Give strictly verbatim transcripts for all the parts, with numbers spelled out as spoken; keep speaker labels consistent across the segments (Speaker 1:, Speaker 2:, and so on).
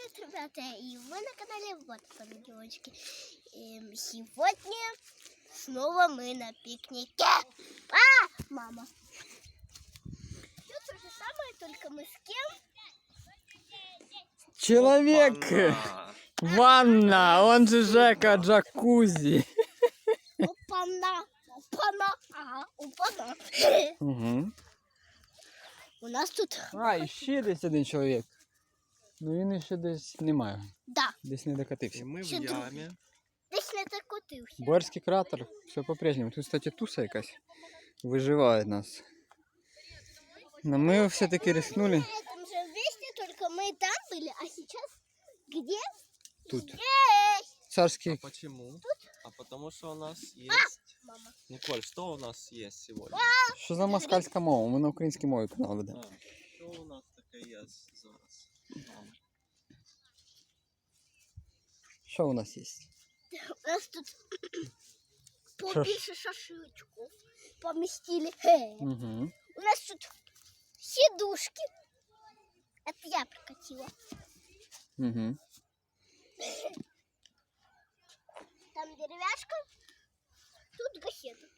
Speaker 1: привет, ребята! И вы на канале Вот Ангелочки. И сегодня снова мы на пикнике. А, мама! Все то же самое, только мы с кем?
Speaker 2: Человек!
Speaker 3: Опа-на.
Speaker 2: Ванна! Он же Жека джакузи.
Speaker 1: Опана! Опана! Ага, опана!
Speaker 2: Угу.
Speaker 1: У нас тут...
Speaker 2: А, і ще десь один чоловік. Ну він ще десь немає.
Speaker 1: Да,
Speaker 2: Десь не докатився.
Speaker 3: И мы в
Speaker 1: Ще другий.
Speaker 3: яме.
Speaker 1: десь не закотився.
Speaker 2: Борський кратер, все по-прежнему. Тут, кстати, туса якась виживає нас. Но ми все-таки рискнули.
Speaker 1: На этом же месте, только мы там были, а сейчас где?
Speaker 2: Тут.
Speaker 1: Здесь!
Speaker 3: А
Speaker 2: Царський.
Speaker 3: почему? А потому что у нас есть...
Speaker 1: Мама.
Speaker 3: Николь, что у нас есть сегодня?
Speaker 2: Що за москальська мова? Ми на українській мові канал ведемо.
Speaker 3: А, что у нас таке есть зараз? Мам.
Speaker 2: Що у нас є?
Speaker 1: У нас тут
Speaker 2: Шаш-
Speaker 1: побольше шашлычков поместили. Хе.
Speaker 2: Угу.
Speaker 1: У нас тут сидушки. Это я прокатила.
Speaker 2: Угу.
Speaker 1: Там деревяшка, тут гахета.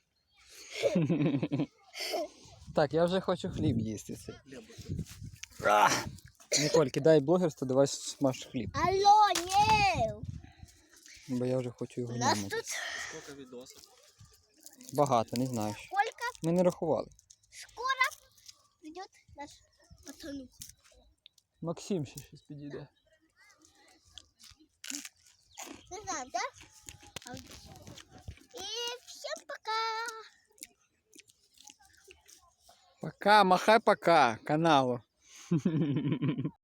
Speaker 2: Так, я вже хочу хліб їсти.
Speaker 3: Хлеба.
Speaker 2: А! Ніколь, кидай блогерство, давай смаж хліб.
Speaker 1: Алло, не!
Speaker 2: Бо я вже хочу його
Speaker 1: У нас
Speaker 2: нямати.
Speaker 1: тут
Speaker 3: Сколько видосов?
Speaker 2: Багато, не знаю.
Speaker 1: сколько?
Speaker 2: Ми не рахували.
Speaker 1: Скоро придет наш пацанух.
Speaker 2: Максим ще щось підійде.
Speaker 1: Не знаю, да? А вот- И всем пока!
Speaker 2: Пока, махай пока каналу.